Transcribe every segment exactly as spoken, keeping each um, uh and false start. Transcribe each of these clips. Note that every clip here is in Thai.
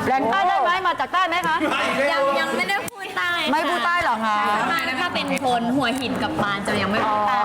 แรงใต้ได้ไหมมาจากใต้ไหมคะยังยังไม่ได้พูดใต้ไม่พูดใต้หรอคะมาถ้าเป็นคนหัวหินกับปานจะยังไม่พูดใต้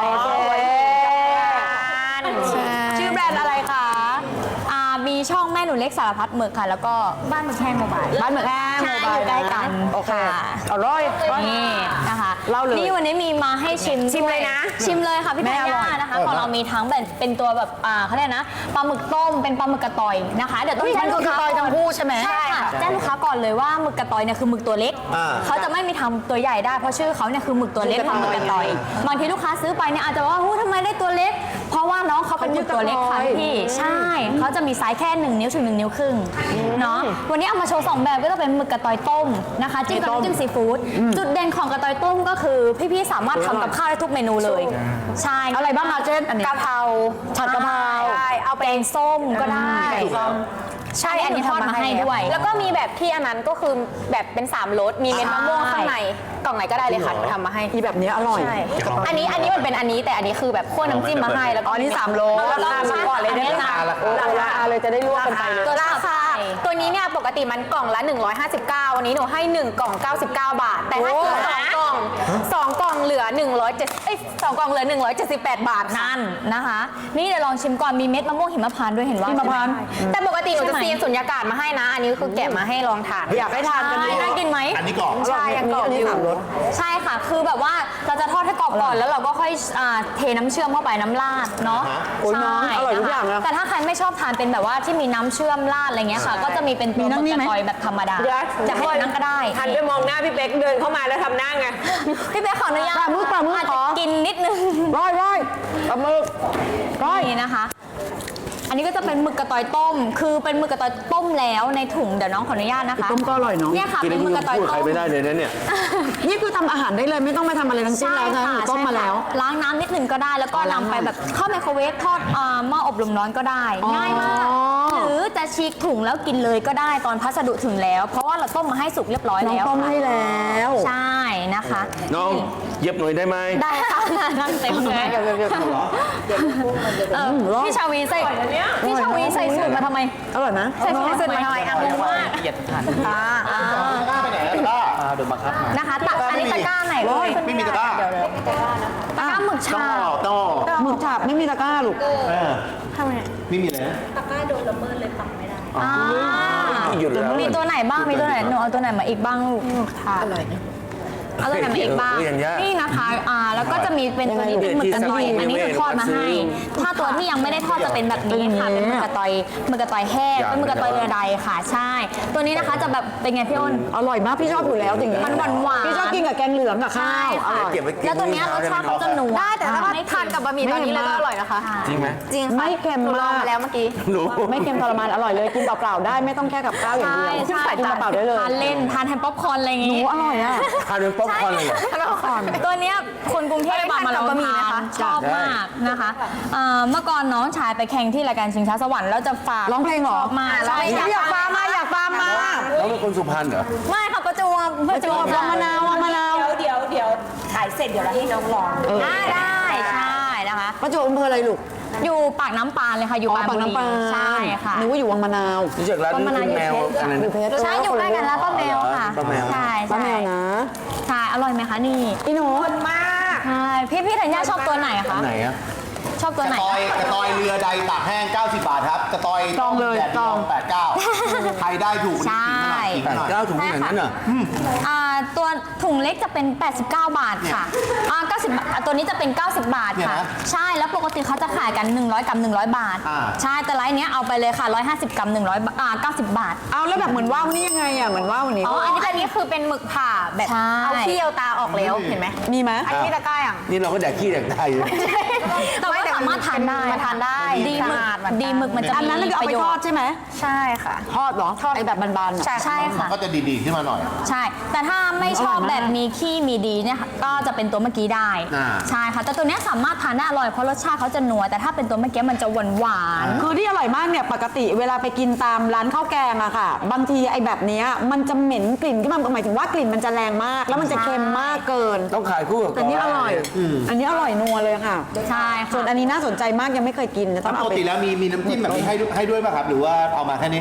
ชื่อแบรนด์อะไรคะอ่ามีช่องแม่หนูเล็กสารพัดหมึกค่ะ แล้วก็บ้านหมึกแห้งโมบายบ้านหมึกแห้งใช่อยู่ใกล้กันโอเคค่ะอร่อยนี่นะคะเล่าเลยนี่วันนี้มีมาให้ชิมชิมเลยนะชิมเลยค่ะพี่แม่ธัญอร่ญาอยนะคะของเรามีทั้งแบบเป็นตัวแบบอ่าเขาเรียกนะปลาหมึกต้มเป็นปลาหมึกกระต่อยนะคะเดี๋ยวต้องมันแจ้งคืลูอก กระค้าต่อยทั้งคู่ใช่ไหมใช่ค่ะแจ้งลูกค้าก่อนเลยว่าหมึกกระต่อยเนี่ยคือหมึกตัวเล็กอ่าเขาจะไม่มีทำตัวใหญ่ได้เพราะชื่อเขาเนี่ยคือหมึกตัวเล็กทำหมึกกระต่อยบางทีลูกค้าซื้อไปเนี่ยอาจจะว่าหูทำไมได้ตัวเล็ก เพราะว่าน้องเขาเป็นหมึกตัวเล็กค่ะพี่ใช่เขาจะมีไซส์แค่หนึ่งนิ้วถึงหนึ่งนิ้วครึ่งเนาะวันนี้เอามาโชว์สองแบบก็จะเป็นหมึกกระต่อยต้มนะคะจิ้มกับน้ำจิ้มซีฟู้ดจุดเด่นของกระต่อยต้มก็คือพี่ๆสามารถทำกับข้าวได้ทุกเมนูเลยใช่อะไรบ้างคะเช่นอันนี้กะเพราผัดกะเพราใช่เอาแกงส้มก็ได้ใช่อันนี้ทอดมาให้ด้วยแล้วก็มีแบบที่อันนั้นก็คือแบบเป็นสามรสมีเม็ดมะม่วงข้างในกล่องไหนก็ได้เลยค่ะหนูทำมาให้ที่แบบนี้อร่อยใช่อันนี้อันนี้มันเป็นอันนี้แต่อันนี้คือแบบคั่วน้ำจิ้มมาให้แล้วก็อ๋อนี่สามโลแล้วก็ราคาก่อนเลยได้ไหมนะราคาเลยจะได้ลวกกันไปเลยตัวราคาตัวนี้เนี่ยปกติมันกล่องละหนึ่งร้อยห้าสิบเก้าวันนี้หนูให้หนึ่งกล่องเก้าสิบเก้าบาท แต่ถ้าซื้อสองกล่องสองกล่องเหลือหนึ่งร้อยเจ็ดเอ้ยสองกล่องเหลือหนึ่งร้อยเจ็ดสิบแปดบาทค่ะนั่นนะคะ นี่เดี๋ยวลองชิมก่อนมีเม็ดมะม่วงหิมพานต์ด้วยเห็นว่าหิมพานต์แต่ปกติหนูจะใช่ไหมซีนสุญญากาศมาให้นะ อันนี้คือแกะมาให้ลองทานอยากให้ทานกันใช่ดูน่ากินไหมอันนี้กรอบใช่ยังกรอบอยู่ใช่ค่ะ คือแบบว่าเราจะทอดให้กรอบก่อนแล้วเราก็ค่อยอ่าเทน้ำเชื่อมเข้าไปน้ำราดเนาะโอ้ยน้องใช่อร่อยทุกอย่างนะแต่ถ้าใครไม่ชอบทานเป็นแบบว่าที่มีน้ำเชื่อมราดอะไรเงี้ยค่ะ ก็จะมีเป็นตัวมีนั่งนี่กไหมระต่อยแบบธรรมดา จะให้นั่งก็ได้หันไปมองหน้าพี่เป๊กเดินเข้ามาแล้วทำหน้าไงพี่เป๊กขออนุญาตปลาหมึกปลาหมึกอาจขจะอกินนิดนึงร้อยร้อยปลาหมึกร้อยนี่นะคะ อันนี้ก็จะเป็นหมึกกระต่อยต้ม คือเป็นหมึกกระต่อยต้มแล้วในถุงเดี๋ยวน้องขออนุญาตนะคะต้มก็อร่อยเนาะเนี่ยค่ะเป็นหมึกกระต่อยพูดใครต้มไม่ได้เลยนะเนี่ยนี่คือทำอาหารได้เลยไม่ต้องไปทำอะไรทั้งสิ้นแล้วนะหนูต้มมาแล้วล้างน้ำนิดหนึ่งก็ได้ แล้วก็อ๋อล้างนำไปแบบเข้าไมโครเวฟทอดอ่าหม้ออบลมร้อนก็ได้อ๋อง่ายมาก หรือจะฉีกถุงแล้วกินเลยก็ได้ตอนพัสดุถึงแล้ว เพราะว่าเราต้มมาให้สุกเรียบร้อยน้องแล้วต้มค่ะให้แล้วใช่นะคะน้องเย็บหน่อยได้ไหมได้ค่ะนั่งเต็มเลยเดี๋ยวเดี๋ยวเดี๋ยวเออพี่ชาวีใส่พี่ชาวีใส่สูตรมาทำไมอร่อยไหมใส่สูตรมาทำไมอ่ะงงมากละเอียดทันอ่าอ่าอ่าโดนบังคับมานะคะตักอันนี้ตะกร้าไหนเลยไม่มีตะกร้าตะกร้าหมึกต้อชาต้องหมึกฉาบไม่มีตะกร้าลูกเออไม่มีเลยนะอ่าหยุดแล้วมีตัวไหนบ้าง มีตัวไหน หนูเอาตัวไหนมาอีกบ้างลูกค่ะอร่อยเอาตัวไหนมาอีกบ้าง นี่นะคะ อ่า แล้วก็จะมีเป็นตัวนี้เป็นหมึกกระต่อย อันนี้คือทอดมาให้ ถ้าตัวที่ยังไม่ได้ทอดจะเป็นแบบนี้ค่ะ เป็นหมึกกระต่อยหมึกกระต่อยแห้งเป็นหมึกกระต่อยเรือใดค่ะ ใช่ ตัวนี้นะคะจะแบบเป็นไงพี่อ้นอร่อยมากพี่ชอบอยู่แล้วจริงๆมันหวานๆพี่ชอบกินกับแกงเหลืองกับข้าวอร่อยเก็บไว้กินแล้วตัวเนี้ยรสชาติเขาจะนัวได้แต่ถ้าทานกับบะหมี่ตอนนี้เลยก็อร่อยนะคะจริงไหมจริงค่ะไม่เค็มหนูลองมากมาแล้วเมื่อกี้รู้ไม่เค็มทรมานอร่อยเลยกินเปล่าๆได้ไม่ต้องแค่กับข้าวอย่างใช่เดียวใช่กินเปล่าๆได้เลยทานเล่น ทานแฮมป๊อปคอร์นอะไรอย่างหนูงี้อร่อยอ่ะทานเป็นป๊อปคอร์นเลยเหรอตัวเนี้ยคนกรุงเทพมามาลองทานชอบมากนะคะเอ่อเมื่อก่อนน้องชายไปแข่งที่รายการชิงช้าสวรรค์แล้วจะฝากร้องเพลงเหรอชอบมากใช่อยากฟังมาอยากฟังมาแล้วเป็นคนสุพรรณเหรอไม่ค่ะประจวบประจวบลองมะนาวลองมะนาวเดี๋ยวเดี๋ยวถ่ายเสร็จเดี๋ยวเราให้น้องลองอ่าได้ใช่นะคะประจวบอำเภออะไรลูกอยู่ปากน้ำปานเลยค่ะอยู่อ๋อปากปากน้ำปลาใช่ค่ะนึกว่าอยู่วังมะนาวรู้จักร้านก็มะนาวแมวอยู่เพชรอะไรอยู่นะเพชรใช่อยู่ใกล้กันแล้วป้าแมวค่ะป้าแมวใช่ป้าใช่แมวนะใช่อร่อยไหมคะนี่อีหนูมากใช่พี่พี่ธัญญาชอบตัวไหนคะไหนอะชอบตัวกไหนระตอยกระตอยเรือใดตากแห้ง เก้าสิบบาทครับ กระตอยจองเลยแดดจองแปดเก้าใครได้ถูกใช่ขิงแปหน่อยดเก้าถุงอย่างนั้นเหรออ่าตัวถุงเล็กจะเป็น แปดสิบเก้า บาทค่ะอ่าเก้าสิบบาทอ่าตัวนี้จะเป็น เก้าสิบ บาทค่ะ ใช่แล้วปกติเขาจะขายกัน หนึ่งร้อย กรัม หนึ่งร้อย บาท ใช่แต่ไลน์เนี้ยเอาไปเลยค่ะ หนึ่งร้อยห้าสิบ กรัม หนึ่งร้อยอ่าเก้าสิบ บาทเอาแล้วแบบเหมือนว่าวนี่ยังไงอ่ะเหมือนว่าววันนี้อ๋อ อันนี้อันนี้คือเป็นหมึกผ่าแบบใช่เอาขี้เอาตาออกแล้วเห็นไหมมีไหมอันนี้ตะกร้าอย่างนี่เราก็แดกขี้แดกไตอยู่แต่ว่าสามารถทานได้มาทานได้ดีหมึกสะอาดเหมือนกันดีหมึกมันจะอันนั้นมีคือเอาประไปโยทอชดน์ใช่ไหมใช่ค่ะทอดเหรอไอแบบบานๆอะใช่ใช่ค่ะก็จะดีๆขึ้นมาหน่อยใช่ แต่ถ้าไม่ชอบอร่อยมากแบบมีขี้มีดีเนี่ยค่ะก็จะเป็นตัวเมื่อกี้ได้อ่าใช่ค่ะ แต่ตัวเนี้ยสามารถทานได้อร่อยเพราะรสชาติเขาจะนัว แต่ถ้าเป็นตัวเมื่อกี้มันจะหวานหวานๆคือที่อร่อยมากเนี่ยปกติเวลาไปกินตามร้านข้าวแกงอะค่ะ บางทีไอแบบเนี้ยมันจะเหม็นกลิ่นขึ้นมาหมายถึงว่ากลิ่นมันจะแรงมาก แล้วมันจะเค็มมากเกินต้องขายคู่กับแต่นี่อร่อย อันนี้อร่อยนัวเลยค่ะใช่ส่วนค่ะอันนี้น่าสนใจมากยังไม่เคยกินนะต้องปเอากไปติแล้วมีมีน้ำจิ้มแบบนี้ให้ด้วยให้ด้วยป่ะครับ หรือว่าเอามาแค่นี้ไม่มี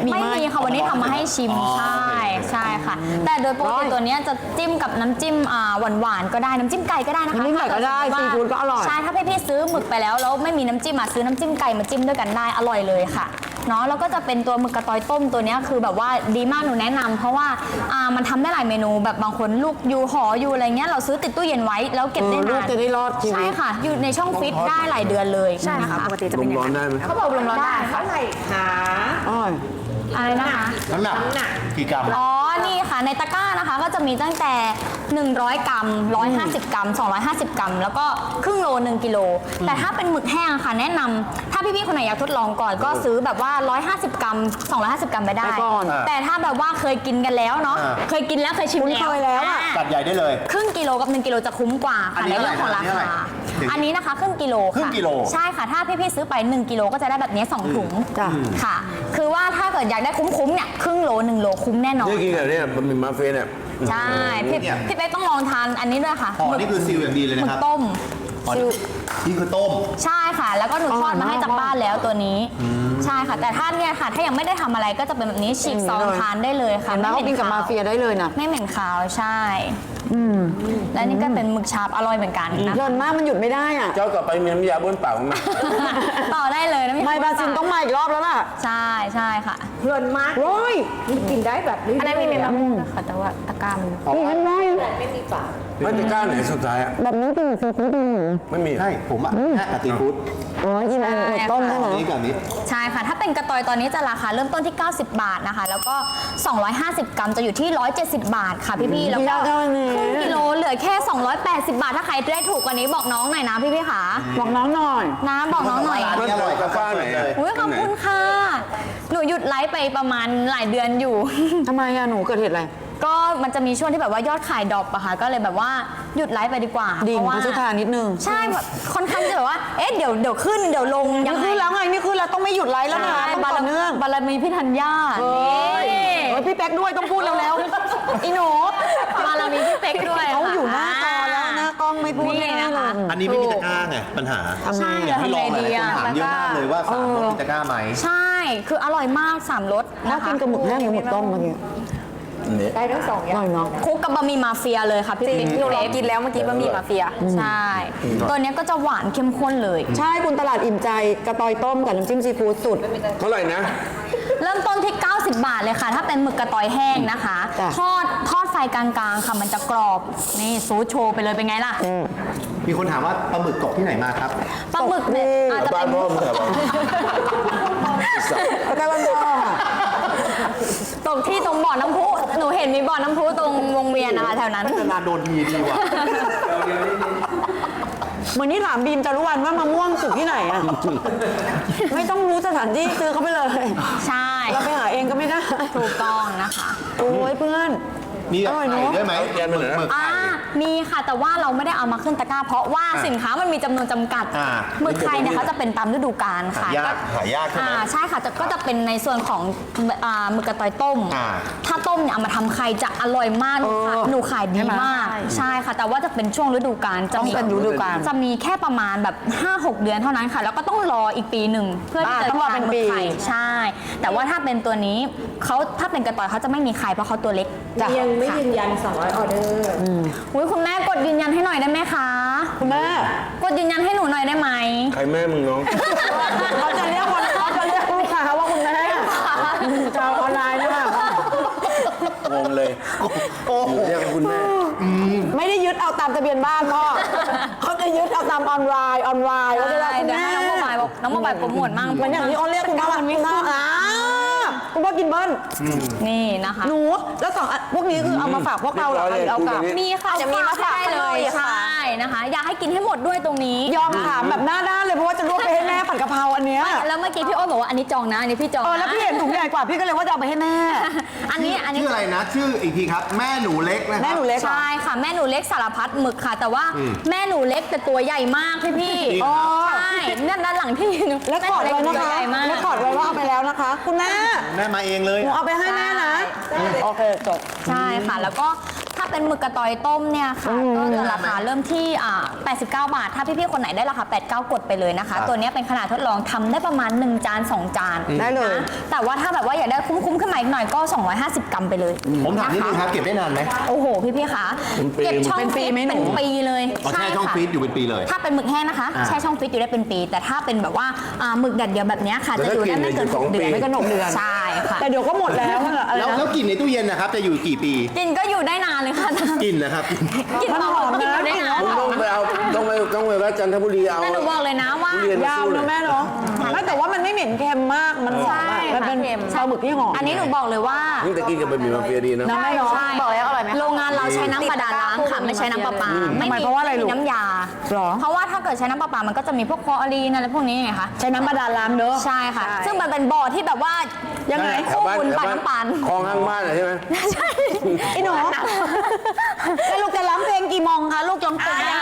ค่ะวันนี้ทำมาให้ชิมอ๋อใช่โอเคใช่ค่ะ แต่โดยปกติตัวเนี้ยจะจิ้มกับน้ำจิ้มอ่าหวานๆก็ได้น้ำจิ้มไก่ก็ได้นะคะน้ำจิ้มไก่ก็ได้ถ้าซีเดฟู้ดก็อร่อยใช่ถ้าพี่ๆซื้อหมึกไปแล้วแล้วไม่มีน้ำจิ้มมาซื้อน้ำจิ้มไก่มาจิ้มด้วยกันได้อร่อยเลยค่ะเนาะแล้วก็จะเป็นตัวหมึกกระตอยต้มตัวเนี้ยคือแบบว่าดีมากหนูแนะนำเพราะว่าอ่ามันทำได้หลายเมนูแบบบางคนลูกอยู่หออยู่อะไรเงี้ยเราซื้อติดตู้เย็นไว้แล้วเก็บได้เออลูนาก นจะได้รอดชีวิตใช่ค่ะ อยู่ในช่องฟิตได้หลายเดือนเลยใช่ค่ะปกติจะลเป็นมอย่างร้อนนั้นได้ไหมเขาบอกลมร้อนได้ค่ะเท่าไหร่คะอ้อยอะไรนะคะน้ำหนักกี่กรัมอ๋อ นี่ค่ะ ในตะกร้านะคะ ก็จะมีตั้งแต่ หนึ่งร้อย กรัม หนึ่งร้อยห้าสิบ กรัม สองร้อยห้าสิบ กรัม แล้วก็ครึ่งโล หนึ่งกิโล แต่ถ้าเป็นหมึกแห้งค่ะ แนะนำถ้าพี่ๆ คนไหนอยากทดลองก่อน ก็ซื้อแบบว่า หนึ่งร้อยห้าสิบ กรัม สองร้อยห้าสิบ กรัมไปได้ไปก่อนแต่ถ้าแบบว่าเคยกินกันแล้วเนาะอ่าเคยกินแล้วเคยชิมคุ้นเคยแล้วอะาตัดใหญ่ได้เลยครึ่งกิโลกับหนึ่งกิโลจะคุ้มกว่าอันค่ะนี้ในเรื่องของราเท่าไหร่คาถึงอันนี้นะคะครึ่งกิโลครึ่งค่ะกิโลใช่ค่ะ ถ้าพี่ๆ ซื้อไปหนึ่งกิโลก็จะได้แบบนี้สองถุงจ้ะค่ะ คือว่าถ้าเกิดอยากได้คุ้มๆ เนี่ยครึ่งโลหนึ่งโลคุ้มแน่นอนนี่กินกับเนี่ยบะหมี่มาเฟ่เนี่ยใช่พี่เนี่ยพี่เป๊กต้องลองทานอันนี้ด้วยค่ะห่อนี่คือซีลอย่างดีเลยหนะมึคกรับต้มอ๋อซิลนี่คือต้มใช่ค่ะ แล้วก็หนูทอดมาให้จากบ้านแล้วตัวนี้ ใช่ค่ะ แต่ถ้าเนี่ยค่ะ ถ้ายังไม่ได้ทำอะไรก็จะเป็นแบบนี้ฉีกซองทานได้เลยค่ะเห็นไหมเขากินกับมาเฟียได้เลยนะไม่เหม็นคาวใช่และนี่ก็เป็นหมึกชาบอร่อยเหมือนกันนะเพลินมากมันหยุดไม่ได้อ่ะเจ้าต่อไปมีน้ำยาบ้วนปากไหมต่อได้เลยนะไม่บาซินต้องมาอีกรอบแล้วล่ะใช่ใช่ค่ะเพลินมากโอ้ยนี่กินได้แบบเรื่อยๆอันนั้นมีเมนูค่ะแต่ว่าตะกร้ามันนี่เห็นไหมไม่จะกล้าไหนสุดท้ายอ่ะแบบนี้เป็นซีฟู้ดดีไม่มีใช่ผมอ่ะแค่กะทิพุทธโอ้ยกินอันหมึกต้มได้ไหมนี่กับนี้ใช่ค่ะ ถ้าเป็นกระตอยตอนนี้จะราคาเริ่มต้นที่ เก้าสิบบาทนะคะ แล้วก็ สองร้อยห้าสิบ กรัมจะอยู่ที่ หนึ่งร้อยเจ็ดสิบ บาทค่ะพี่ๆ แล้วก็ครึ่งกิโลเหลือแค่ สองร้อยแปดสิบ บาท ถ้าใครได้ถูกกว่านี้บอกน้องหน่อยนะพี่ๆค่ะบอกน้องหน่อยนะบอกน้องหน่อยร้านนี้อร่อยกาแฟไหนเลยอุ้ยขอบคุณค่ะ หนูหยุดไลฟ์ไปประมาณหลายเดือนอยู่ทำไมอะหนูเกิดเหตุอะไรก็มันจะมีช่วงที่แบบว่ายอดขายดรอปอะค่ะ ก็เลยแบบว่าหยุดไลฟ์ไปดีกว่าดิ่งเพราะว่าพัชธานิดนึงใช่แบบค่อนข้างจะแบบว่า เอ๊ะเดี๋ยวเดี๋ยวขึ้นเดี๋ยวลงยันี่งไงคือแล้วไงนี่คือเราต้องไม่หยุดไลฟ์แล้วนะใช่ต้องต่อเนื่องบารมีพี่ธัญญาเฮ้ยนี่เฮ้ยพี่แป๊กด้วยต้องพูดแล้วแล้วๆอีหนูบารมีพี่เป๊กด้วยเขาค่ะอยู่หน้าจอแล้วหน้ากล้องไม่พูดนี่ไม่ได้นะเลคะยอันนี้ไม่มีตะกร้าไงปัญหาทำไงใช่อะเดี๋ยวให้ทำลองไงหลายดีคนอะถามเยอะมากเลยว่าสามรสมีตะกร้าไหมใช่ คืออร่อยมากสามรสน่านะคะกินกับหมึกแห้งหรือหมึกต้มเมื่อกี้ได้ทั้งสองออย่าง ร่อยเนาะคลุกกับบะหมี่มาเฟียเลยค่ะพี่ปิ๊กหนูลองกินแล้วเมื่อกี้บะหมี่มาเฟียใช่ ตัวเนี้ยก็จะหวานเข้มข้นเลยใช่คุณตลาดอิ่มใจกระตอยต้มกับน้ำจิ้มซีฟู้ดสุดเท่าไหร่นะเริ่มต้นที่ เก้าสิบบาทเลยค่ะ ถ้าเป็นหมึกกระตอยแห้งนะคะจ้ะทอดทอดไฟกลางๆค่ะมันจะกรอบ นี่ซูโชว์ไปเลยเป็นไงล่ะมีคนถามว่าปลาหมึกตกที่ไหนมาครับปลาหมึกเนี่ยอาจจะบ้าเป็น นพ่อมึงเหรอแล้วก็วันพ่อค่ะตรงที่ตรงบ่อน้ำพุ หนูเห็นมีบ่อน้ำพุตรงวงเวียนนะคะแถวนั้นนานๆโดนทีดีว่ะเหมือนนี่ถามบีมจารุวรรณว่ามะม่วงสุกที่ไหนอะ ไม่ต้องรู้สถานที่ซื้อเขาไปเลยใช่เราไปหาเองก็ไม่ได้ถูกต้องนะคะโอ้ยเพื่อนมีแบบอร่อยเนไข่อะด้วยไหมแกนมันเหรออ่ามีค่ะแต่ว่าเราไม่ได้เอามาขึ้นตะกร้า เพราะว่าสินค้ามันมีจำนวนจำกัดอ่าหมึกไทยเนี่ยเขาจะเป็นตามฤดูกาลค่ะหายากหายากใช่ไหมอ่าใช่ค่ะจะก็จะเป็นในส่วนของอ่าหมึกกระตอยต้มอ่าถ้าต้มเนี่ยเอามาทำไข่จะอร่อยมากหนูขายหนูขายดีมาก ใช่ค่ะ แต่ว่าจะเป็นช่วงฤดูกาลจะมีต้องเป็นฤดูกาลจะมีแค่ประมาณแบบ ห้าหก เดือนเท่านั้นค่ะ แล้วก็ต้องรออีกปีหนึ่งเพื่อที่อ่าจะต้องรอเป็นทานหมึปีกไข่ใช่ แต่ว่าถ้าเป็นตัวนี้เขาถ้าเป็นกระตอยเขาจะไม่มีไข่เพราะเขาตัวเล็กจ้ะยังไม่ยืนยันสองร้อยออเดอร์อุ้ยคุณแม่กดยืนยันให้หน่อยได้ไหมคะคุณแม่กดยืนยันให้หนูหน่อยได้ไหมใครแม่มึงน้องเขาจะเรียกคนเขาจะเรียกลูกค้าว่าคุณแม่ชาวออนไลน์นะคะงงเลย โอ้โหเรียกคุณแม่ไม่ได้ยึดเอาตามทะเบียนบ้านพ่อเขาจะยึดเอาตามออนไลน์ออนไลน์เขาจะเรียกได้คุณเดี๋ยวแม่ให้น้องโมบายบอกน้องโมบายโปรโมทมั่งเหมือนอย่างที่เขาเรียกคุณพ่อว่าคุณพ่ออ่าคุณพ่อกินเบิ้ลนี่นะคะหนูแล้วสองอันพวกนี้คือเอามาฝากพวกเราเหรอคะหรือเอากลับมีค่ะจะมีมาฝากได้เลยใช่นะคะ อยากให้กินให้หมดด้วยตรงนี้ยอมถามแบบหน้าด้านเลยเพราะว่าจะรวบไปให้แม่ผัดกะเพราอันเนี้ยแล้วเมื่อกี้พี่โอ๊ตบอกว่าอันนี้จองนะอันนี้พี่จองเออนะแล้วพี่เห็นถุงใหญ่กว่าพี่ก็เลยว่าจะเอาไปให้แม่อันนี้อันนี้ชื่ออะไรนะ ชื่ออีกทีครับ แม่หนูเล็กนะครับแม่หนูเล็กใช่ค่ะแม่หนูเล็กสารพัดหมึกค่ะ แต่ว่าแม่หนูเล็กแต่ตัวใหญ่มากพี่พี่จริงอ๋อใช่นั่นด้านหลังที่หนูแล้วขอดไว้นะแม่หคะเล็กตัวใหญ่มากแล้วขอดไว้ว่าเอาไปแล้วนะคะ คุณแม่แม่มาเองเลยหนูเอาไปให้แม่นะโอเคจบใช่ค่ะ แล้วก็ถ้าเป็นเป็นหมึกกระตอยต้มเนี่ยค่ะก็จะราคาเริ่มที่อ่าแปดสิบเก้าบาทถ้าพี่ๆคนไหนได้ราคาแปดสิบเก้ากดไปเลยนะคะ ตัวนี้เป็นขนาดทดลองทำได้ประมาณหนึ่งจานสองจานได้เลยนะแต่ว่าถ้าแบบว่าอยากได้คุ้มๆขึ้นมาอีกหน่อยก็สองร้อยห้าสิบกรัมไปเลยผมถามนิดนึงครับ เก็บได้นานไหมโอ้โหพี่ๆคะเก็บช่องเป็นปีฟิตไหมหนูเป็นปีเลยอ๋อแช่ช่องค่ะฟรีซอยู่เป็นปีเลยถ้าเป็นหมึกแห้งนะคะอ่าแช่ช่องฟิตอยู่ได้เป็นปี แต่ถ้าเป็นแบบว่าอ่าหมึกแดดเดียวแบบเนี้ยค่ะจะอยู่ได้ไม่เกินหกเดือนไม่เกินหกเดือนใช่ค่ะแต่เดี๋ยวก็หมดแล้วอะอะไรแล้วนะแล้วกลิ่นในตู้เย็นนะครับ จะอยู่กี่ปีกินก็อยู่ได้นานเลยค่ะกลิ่นนะครับกินมันต่อหอมกินนะอยู่ได้นานต้องไปเอาต้องไปต้องไปวัดจันทบุรีเอาแต่หนูบอกเลยนะว่าทุเรียนยาวนะแม่เนาะไม่แต่ว่ามันไม่เหม็นเค็มมากมันหอมใช่อะมันเป็นค่ะปลาหมึกที่หอมอันนี้หนูบอกเลยว่านี่แต่กินกับบะหมี่มาเฟียดีนะนะแม่เนาะใช่บอกแล้วอร่อยไหมคะโรงงานเราใช้น้ำบาดาลล้างค่ะไม่ใช้น้ำประปาทำไมเพราะว่าอะไรไม่ลูมีกน้ำยาหรอเพราะว่าถ้าเกิดใช้น้ำประปามันก็จะมีพวกคลอรีนอะไรพวกนี้ไงคะใช้น้ำบาดาลล้างเด้อใช่ค่ะ ซึ่งมันเป็นบ่อที่แบบว่ายังไงคู่บุญปานน้ำปานคลองข้างบ้านอะใช่ไหมใช่ไอ้หนูแล้วลูกจะร้องเพลงกี่โมงคะลูกร้องเพลงได้